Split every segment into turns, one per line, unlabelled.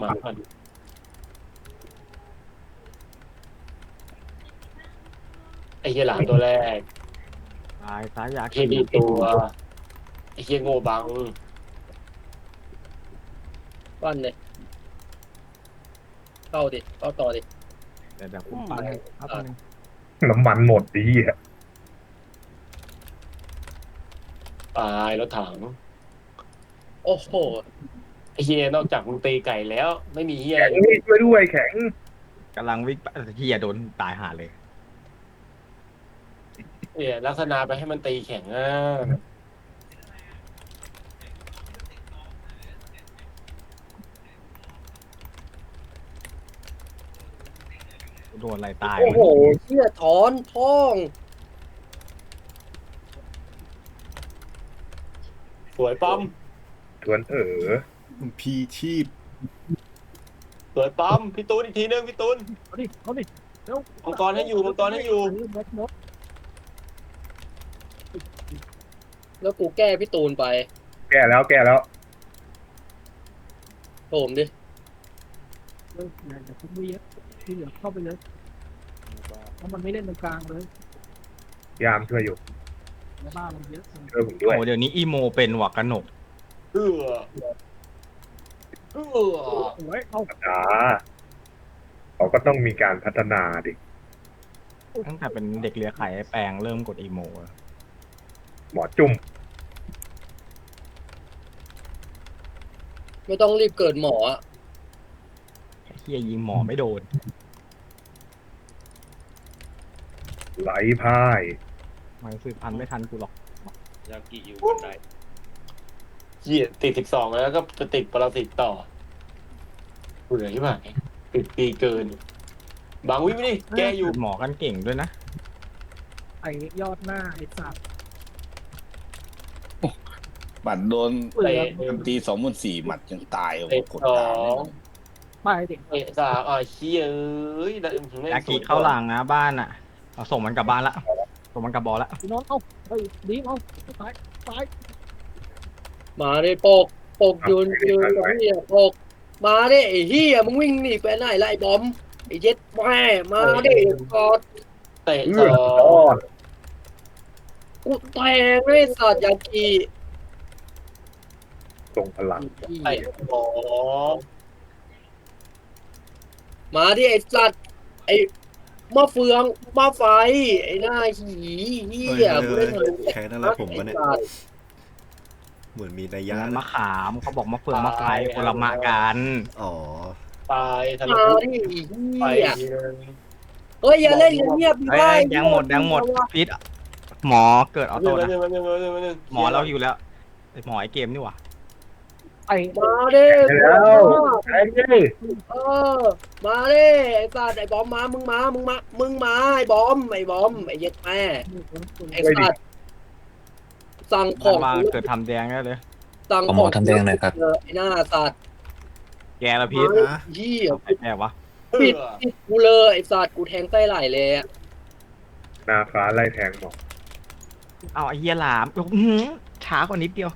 หมาก่อนไอ้เหี้ยหลามตัวแรก
ตายซ้ายยา
เหี้ยดีตัวไอ้เหี้ยโง่บัง
บ้านเนี่ยเข้าดิเข้าต่อดิ
เดี๋ยวผมปั้นครับนึง
น้ำมันหมดดีอ่ะ
ตายรถถัง
โอ้โห
ไอ้เหี้ยนอกจากมึงตีไก่แล้ว ไม่มีเหี้ย
แข็งนี่ช่วยด้วยแข็ง
กำลังวิ่งไปเฮียโดนตายหาเลย
เนี่ยลักษณะไปให้มันตีแข็งอ่ะ
โดนอะไรตาย
โอ้โหเชี่ยถอนท้อง
สวยป้อม
ทวน
พีชีพ
สวยป้อมพี่ตูนอีกทีนึงพี่ตูน
เอาดิเอาดิเร็ว
มังกรให้อยู่มังกรให้อยู่
แบ็คมด
แล้วกูแก้พี่ตูนไป
แก้แล้วแก้แล้ว
โถมดิ
เฮ้ยอย่าทุบวีที่เหลือเข้าไปเลยเพราะมันไม่เล่นตรงกลางเลย
ยามช่วยอยู่
ในบ้านมันเยอะ
ช่วยผมด้วย
โอ้เดี๋ยวนี้อีโมเป็นว่ะกระหนก
เอื้อเอื้อ
โอ้ยเอา
อ่าเขาก็ต้องมีการพัฒนาดิ
ตั้งแต่เป็นเด็กเลี้ยไข่ไอ้แปลงเริ่มกดอีโม
หมอจุ่ม
ไม่ต้องรีบเกิดหมออะ
เฮียยิงหมอไม่โดน
ไหลพ่าย
มันสืบพันธุ์ไม่ทันกูหรอก
ยากิอยู่บนไหนเหี้ยติด12แล้วก็จะติดปรสิตต่อเบื่อใช่ไหมติดปีเกิน บางวิไม่ดิแกอยู่
หมอกันเก่งด้วยนะ
ไอ้ยอดหน้าไอ้สัตว์
บัตรโดน
เปลือก
ตี24,000หมัดยังตายโอ้โห
เตะ
กด
สอ
ดาว
ง
ไปดิ
เตะสามเชี่ยเอ้ยแล้วไม่
ยากิเข้าหลังนะบ้านอ่ะเอาส่งมันกลับบ้านละส่งมันกลับบอลละ
พี่น้องเอาเฮ้ยดีเอาตายตาย
มาดิโปกโปกยืนตรงนี้อะโปกมาดิไอ้เฮียมึงวิ่งหนีไปไหนล่ะไอ้บอมไอ้เย็ดแม่มาดิกอด
เตะ
เอื้
ส
อ
อ
รอง ด
กูแทงเลยสัตว์ยากี
ทรงพลัง
เตะสอง
มาดิไอ้สัตว์ไอ้มะเฟืองมะไฟไอ้หน้าหีเฮียกูเล่นทะลุ
แค่นั้นแหละผมก็เนี่ย เหมือนมีนัยยะ
นั้น
นะ
มะขามเขาบอกมะเฟืองมะไฟคนละมะกัน
อ๋อ
ตายทะลุ
มาดิเฮี
ไป
ยเฮ้ยอย่าเล่นเงียบๆดิ
เฮ้
ไว้
ยยังหมดพิษหมอเกิดออโต้นะหมอเราอยู่แล้วไอหมอไอเกมนี่หว่า
ไอ้
มาดิ
แล้วแข็งดิ
เออมาดิไอ้สัตว์ไอ้บอมมามึงมาไอ้บอมไอ้เย็ดแม่ไอ้สัตว์สั่งข
ด้า
อน ง
ล่างเกิดทำแดงได้เลย
สั่ง
ขอ
ข
หม
อ
องทำแดงหน่อยครับ
ไอ้หน้าสัตว์
แกละพิษ
นะ
เหี้ย
ไอ้แม่วะ
ปิดกูเลยไอ้สัตว์กูแทงไส้ไหลเลยอะ
นาฟ้าไล่แทงหมอ
เอาไอ้เหี้ยหลามอื้อหือช้ากว่านิดเดียว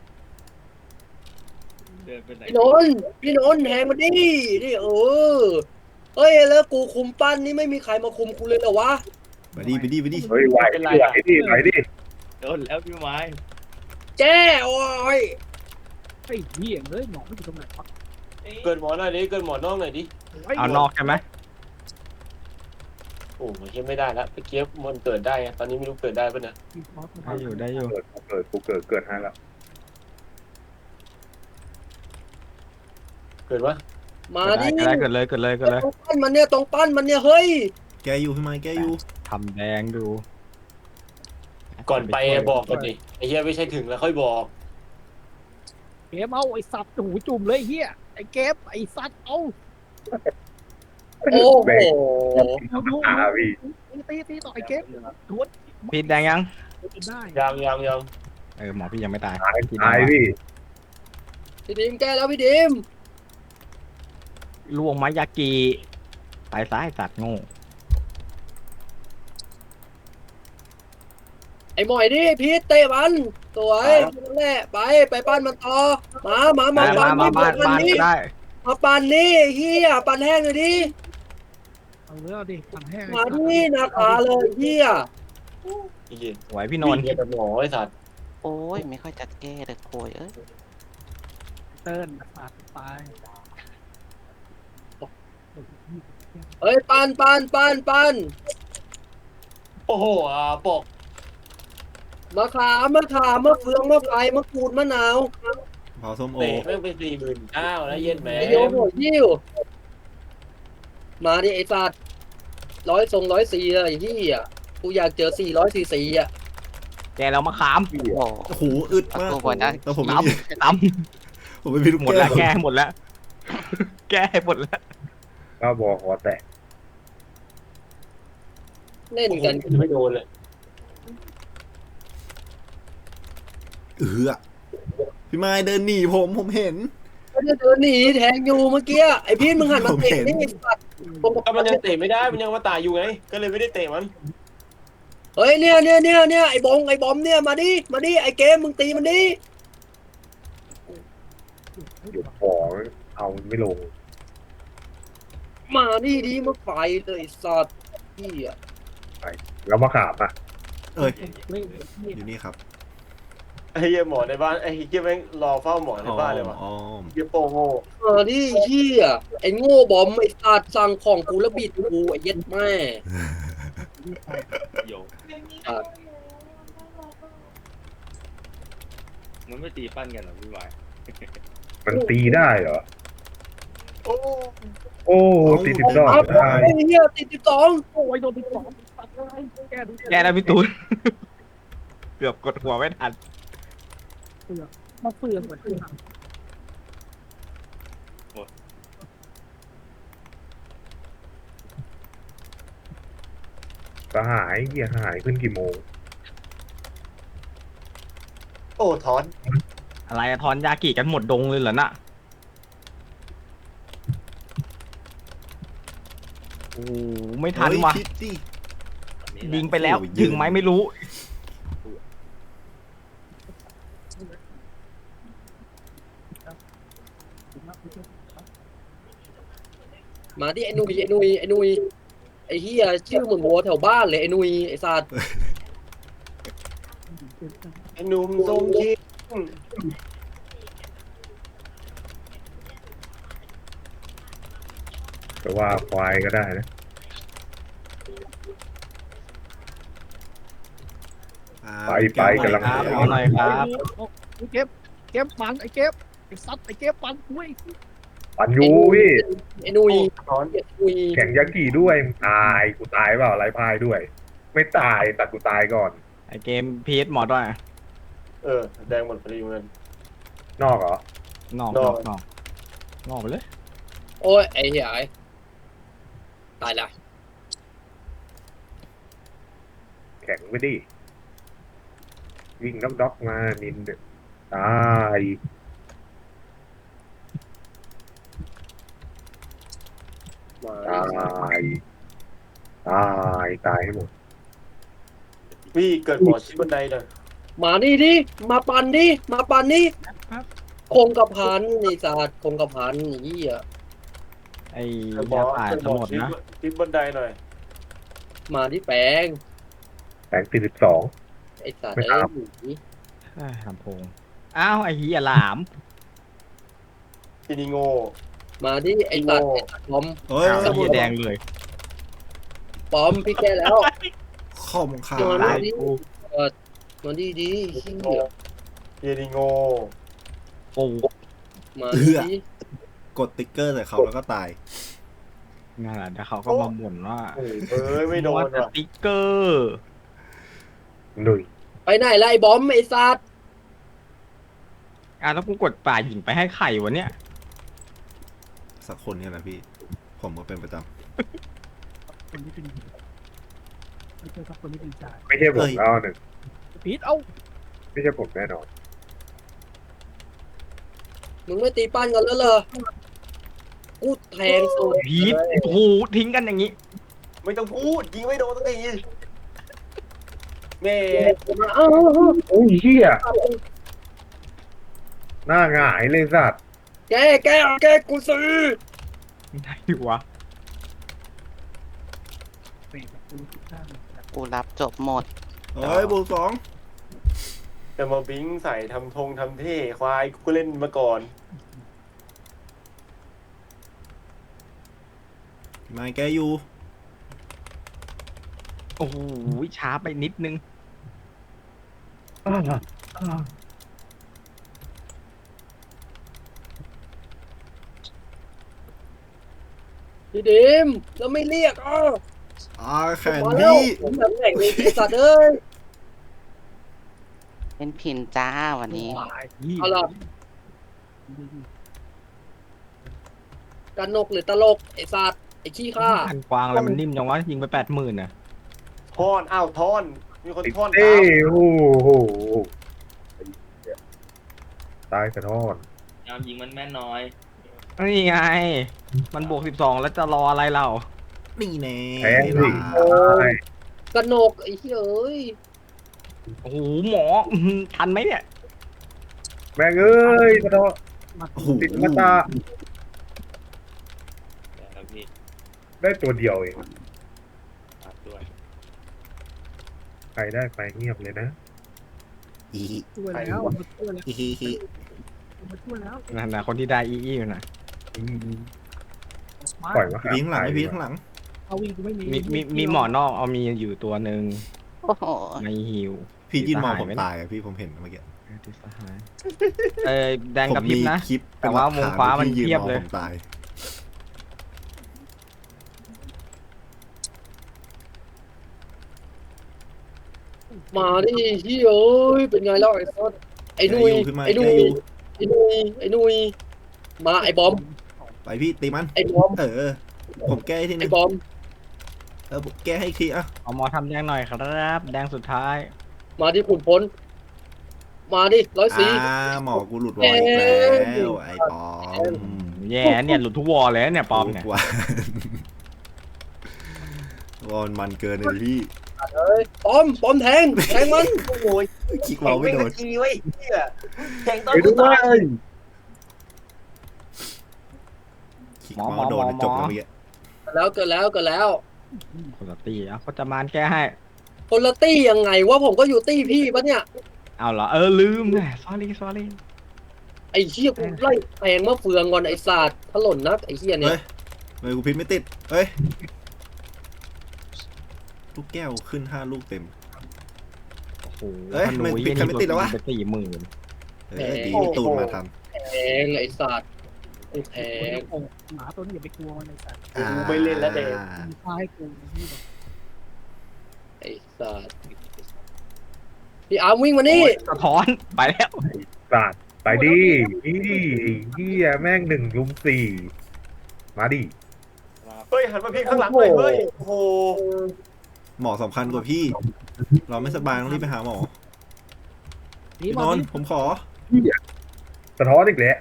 พี่นนท์แทงมันดินี่เฮ้ยแล้วกูคุมปั้นนี่ไม่มีใครมาคุมกูเลยเหรอวะ
ไปดิ
เฮ้ยไหวดิไหวดิ
โดนแล้วพี่ไม้
แจ้โอ้ย
ไอ้เหี้ยเลยหมอไม่อยู่ตรงไหนวะ
เกินหมอหน่อยดิเกินหมอนอกหน่อยดิ
เอานอกใช่ไหม
โอ้ยไม่ได้แล้วไปเก็บมันเกิดได้ตอนนี้ไม่รู้เกิดได้ปะเนี่ย
ได้อยู่ได้อยู่
กูเกิดให้แล้ว
เกิดวะ
มา
เกิด
ดิ
ได้เกิดเลย
ตรงปั้นมันเนี่ยเฮ้ย
แกอยู่พี่ไม้แกอยู่
ทำแดงดู
ก่อนไปบอกก่อนดิไอ้เหี้ยไม่ใช่ถึงแล้วค่อยบอก
เกมเอาไอ้สัตว์หูจุ่มเลยเหี้ยไอ้เกมไอ้สัตว์เอา
โอ้โห
เอาดู
พี่
ตีต่อไอ้เกมทวน
พิษแดงยัง
ได้
ยัง
หมอพี่ยังไม่ตาย
ตายพี่
พี่ดิมแก้แล้วพี่ดิม
ลวงมายากิไปซ้ายสัตว์โง่
ไอ้หมอยดิพีทเตะมันสวยนั่นแหละไปปั้นมันต่อมา
มาบ้านก็ได้
มาปั่นนี่ไอ้เฮียปั่นแห้งเลยดิ
เอาเรื่องดิปั่นแห้ง
มาดินาคาเลยเฮีย
ไอ้เหี้ย
ไหวพี่นนท์
เหี้ยแต่หมอไอ้สัตว์
โอ้ยไม่ค่อยจะแก้เลยโคยเอ้ย
เติ้ลปาดไป
เฮ้ยปั่น
โอ้โหปก
มะขามมะเฟืองมะไฟมะกรูดมะนาว
เผาส้มโอ
เตะแม่งเป็น49,000แล้วเย็นแหม
ไอโยหัวยิ้วมาดิไอ้สัตว์104เลยไอ้เฮียกูอยากเจอ444อ่ะ
แกเรามาขาม
โอ้โห
โอ้โหอึดมาก
เอาตัวก่อนนะ
แต่ผมไม่
ต
มี
ำต
ผมไม่มีลูก
ำหมดแล้ว
แก้
แก
ว
หมดแล้ว แกหมดแล้ว
ก็บอกหัวแตก
เล่นกัน
ไม่โดนเลย
พี่ไม้เดินหนีผมเห็น
ก็จะเดินหนีแทงอยู่เมื่อกี้ไอ้พี่มึงหันมาเตะนี่ไอ้สัตว์ผม
ก็มันยังเตะไม่ได้มันยังมาตายอยู่ไงก็เลยไม่ได้เตะมัน
เฮ้ยเนี่ยไอ้บอมเนี่ยมาดิไอ้เกมมึงตีมันดิ
หยุดของเอาไม่ลง
มาดิมาไฟเลยไอ้สัตว์เฮีย
แล้วมาขามอ่ะ
เอ้ย
เล่น
อยู่นี่ครับ
ไอ้เหี้ยหมอในบ้านไอ้เหี้ยแม่งรอเฝ้าหมอในบ้านเลยวะ
อ๋อ
เหี้ยโปโง่
มาดิเฮียไอ้โง่บอมไอ้สัตว์สั่งของกูแล้วบิดกูไอ้เย็ดแม่
โย
มันไม่ตีปั้นกันหรอพี่วาย
มันตีได้เหรอ
โอ้
โอ้ตี12
ครับ
ได้
ไอ้เฮียติด12
โอ้ยโดนติดสองปัดอะไรแกดู
แกแล้วพี่ตูน เกือบกดหัวไม่ทัน
มาเฟืองเหมือนกัน
สหายเหี้ยหายขึ้นกี่โมง
โอ้ถอน
อะไรอะทอนยากิกันหมดดงเลยเหรอน่ะโอ้โหไม่ทันว่ะ
เฮ้ยคิดดิ
ยิงไปแล้ว
โอ้ย
ถึงไหมไม่รู้
มาดิไอ้นุยไอ้เฮียชื่อเหมือนวัวแถวบ้านเลยไอ้นุยไอ้สัตว์
ไอ้หนุ่มทรงคิด
แต่ว่าควายก็ได้นะ
อ่า
ไปกำลัง
ครับเอาหน่อยครับ
เก็บปันไอ้เก็บไอ้ซัดไอ้เก็บปันอุ้ย
ปันยูพี่
ไอ้นุย
ถอน
ไอ้นุย
แข่งยักษ์กี่ด้วยมึงตายกูตายเปล่าไรพายด้วย ไม่ตายแต่กูตายก่อน
ไอเกมพีทหมอด้วย
แดงหมดพอดีเหมือนกัน
นอกเหรอ
นอก
นอก
นอกไปเลย
โอ้ยไอ้เฮียไอ้ตายละ
แข่งไม่ดิวิ่งด็อกมานินเนี่ยตาย
มา
ตายให้หมด
พี่เกิดหมอชิดบันไดหน่อย
มานี่ดิมาปั่นนี่คงกระพันไอ้สัตว์คงกระพันไอ้เฮีย
ไอ้
เกิดหมอย
าป่า
เกิดห
จะ
มอ
หมดนะ
ชิดบันไดหน่อย
มาที่แปลง
แข่ง42
ไอ้สัตว์
ไม่
ไอ้
ครับ
หนี
เอ้ยลำโพงอ้าวไอ้เหี้ยหลาม
พี่นิโง่
มาดิไอ้สัตว์ปอม
เฮ้ย
อ้าวไอ้เหี้ยแดงเลย
ปอมพี่แกแล้ว
คอมขา
โดน
ตายกู
มาดิเฮี
โง่
ย
พี่นิโง่
ปู
มาดิ
กดติ๊กเกอร์ใส่เขาแล้วก็ตาย
นั่นแหละแล้วเขาก็มาบ่นว่า
เอ้ยไม่โดน
แต่
ว่ะ
สติ๊กเกอร์
หนุ่ย
ไปไหนล่ะไอ้บอมไอ้สัตว์
แล้วกูกดป่าหญิงไปให้ไข่วะเนี่ย
สักคนเนี่ยแหละพี่ ผมก็เป็นประจ
คนที่เป็นไม่ใช่ครับคนที่เป็นจ่าย
ไม่ใช่ผมแล้วหนึ่ง
พีทเอา
ไม่ใช่ผมแน่นอน
มึงไม่ตีปั้นกันแล้วเหรอกูแทงสุด
พีทโอ้โหทิ้งกันอย่างนี้
ไม่ต้องพูดยิงไม่โดนสักทีแม่
มาเอ้า
โอ้ยเหี้ยหน้าหงายเลยสัตว์
แกกูซื้อ
ไม่ได้ดิวะ
เปรตประตูทุกข้าง
กูรับจบหมด
เฮ้ยบวกสอง
จะมาบิงใส่ทำทำเท่ควายกูเล่นมาก่อน
มาแกอยู่
โอ้โหช้าไปนิดนึง
พี่ดิมแล้วไม่เรียก
แข่ง
มาแล้ว
พี่
ผมแบบแข่งเลยไอ้สัตว์เอ้ย
เป็นพินจ้าวันนี้
เอาล่ะกันนกหรือตลกไอ้สัตว์ไอ้ขี้ข้า
พันกวางอะไรมันนิ่มจังวะยิงไป80,000น่ะ
ทอนอ้าวทอน มีคน
ติด
ทอน
เต้
ตาม
โอ้โหตายสะท้อน
ยามยิงมันแม่นน้อย
นี่ไง มันบวก12แล้วจะรออะไรเรา
นี่แน่
แพ้สิ
ตาย
กันนกไอ้เหี้ยเอ้ย
โอ้โหหมอทันไหมเนี่ย
แม่งเอ้ยสะท้อน
โอ้โห
ติดมาตา
แล้วพี่
ได้ตัวเดียวเอง
ตัดด้วย
ใครได้ไปเงียบเลยนะ
อี
ช่วยแล้วมาช่วยแล้ว
อีฮีฮี
มาช่วยแล้ว
นั่นนะคนที่ได้อีอยู่น่ะ
มา
ปล่อยมา
พี่ข้างหลังไอพี่ข้างหลัง
เอาวิ่งกูไม่มี
มีหมอนอกเอามีอยู่ตัวหนึ่ง
โอ้โห
ในฮิว
พี่ยืนมองผม
ไหม
ตายอะพี่ผมเห็นเมื่อกี้
ติดสหายแดง
ผม
กับพริ
มี
บนะ
คลิป
แต่ว่าวงฟ้ามัน
พี่ยืน
เทียบ
มอง
เลย
ผมตาย
มาดิเหี้ยเอ้ยเป็นไงแล้วไอ้สัตว์ไอ้นุย
ขึ้นมา
ไอ้นุ
แก
ย
อยู่
ไอ้นุยไอ้นุยมาไอ้บอม
ไปพี่ตีมัน
ไอ้บอม
ผมแก้ให้ทีนึ
ไอ้
ง
บอม
ผมแก้ให้อีกทีอ่ะ
เอาหมอทำแดงหน่อยครับ แดงสุดท้าย
มาที่ขุนพลมาดิ104
หมอกูหลุดวอลอีกแล้วไอ้ปอม
แย่เนี่ยหลุดทุกวอลเลยเนี่ยปอมเนี่ย
กว่าวอลมันเกินเลยพี่
เอ้ยปอมแทงมัน
โอ้โห
คิกเราไม่โดน
ทีไว้เหี้ยแข่งตอน
ไปดู
กู
ด้ว
ตาย
ย
คิกเราโดนจบแล้วเมื่อกี้
เกิดแล้ว
คนละตีอ่ะเขาจะมานแก้ให้
คนละตี้ยังไงวะผมก็อยู่ตี้พี่ปะเนี่ย
เอาเหรอลืมไง sorry
ไอ้เหี้ยกูไล่แทงมะเฟืองก่อนไอ้ศาสตร์ถล่นนักไอ้เหี้ยเนี่ย
เฮ้ยกูพิมพ์ไม่ติดเฮ้ยลูกแก้วขึ้น5 ลูกเต็ม
โอ้โห
เอ้ยมันปิดใครไม่ติดแล้ววะ
ไป40,000
ดีพี่ตูนมาทัน
แทงไอ้ศาสตร์กูแทง
หมาตัวนี้อย่าไปกลัวมันในสัตว์
ไม่เล่นแล้วเด็ก
มีค่าให้กูที่แบบ
ไอ้ศาสตร์พี่อาร์มวิ่งมานี่
สะท้อนไปแล้ว
สาดไปดินี่เฮียแม่ง1 ลุม 4มาดิ
เฮ้ยหันมาพี่ข้างหลังเลยเฮ้ยโอ้โห
หมอสำคัญกว่าพี่ เราไม่สบายต้องรีบไปหาหมอ
นี่
พี่
มาน
น
ดิ
ท์ผมขอ
สะท้อนอีกแล้ว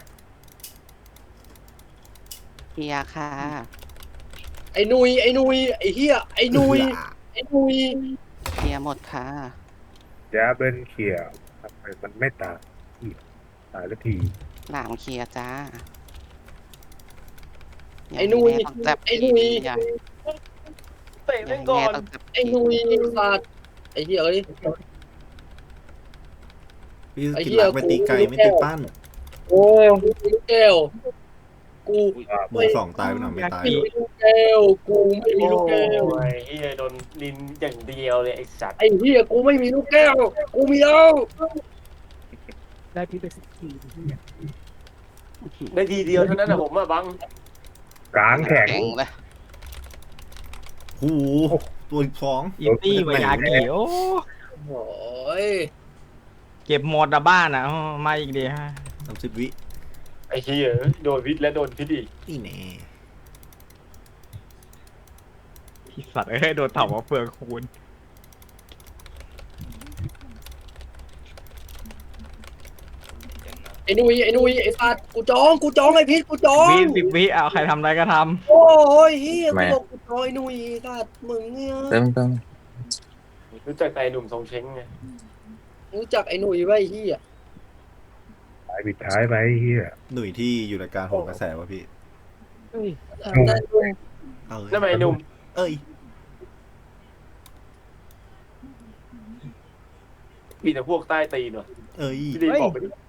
เฮียค่ะ
ไอ้นุยไอ้เหี้ยไอ้นุย
เฮียหมดค่ะ
แจ๊บเบิลเขียวทำไมมันไม่ตายตายแล้วที
หลามเคลียร์จ้า
ไอ้นุย
ต้องจับ
ไอ้นุย
อย่า
เตะแม่งก่อน
ต้องจับ
ไอ้นุยไอ้ศาสตร์ไอ้เหี้ยเอ้ย
พี่
ไอ้
กิน
เหี้
ห
ย
ลักไปตีไก่ไม่ติดปั้น
โอ้ลูกแก้วกู
หมูสองตายไปหน่อยไม่ตาย
มี
ด้วย
ลูกแก้วกูไม่มีลูกแก้ว
โอ้ยเฮียโดนลินอย่างเดียวเลยไอ้สัตว์
ไอ้เหี้ยกูไม่มีลูกแก้วกูมีแล้ว
ได้พี่ไป14ที่เนี่ย
ได้ทีเดียวเท่านั้นนะผมอะบัง
กลางแข็ง
แข็งเลย
หูตัวอีกสอง
อีตี้ไวยากิโอ้
โอ้ย
เก็บหมดอะบ้านอ่ะมาอีกดีฮะ
30 วิ
ไอ้เฮียโดนพิษและโดนพิษอีก
นี่แน่
ที่สัตว์โดนเต่ามาเฟืองคูณ
ไอ้นุยไอ้สัตว์กูจองไอ้พิษกูจอง
วิเอาใครทำอะไรก็ท
โอ้ยเฮียกูบอกกูจองไอ้นุยไอ้สัตว์มึงเนี่ย
รู้จักแต่ไอ้หนุ่มทรงเช้งไง
รู้จักไอ้นุยไว้ไอ้เฮีย
สายปิดท้ายไปเฮีย
หนุ่ยที่อยู่ในการโหนกระแสวะพี่
เฮ้ย
ได้ลุง
เอ้ย
ทำไมหนุ่ม
เอ้ย
มีแต่พวกใต้ตีนวะ
เอ้ย
พี่ดีบอกไปดิ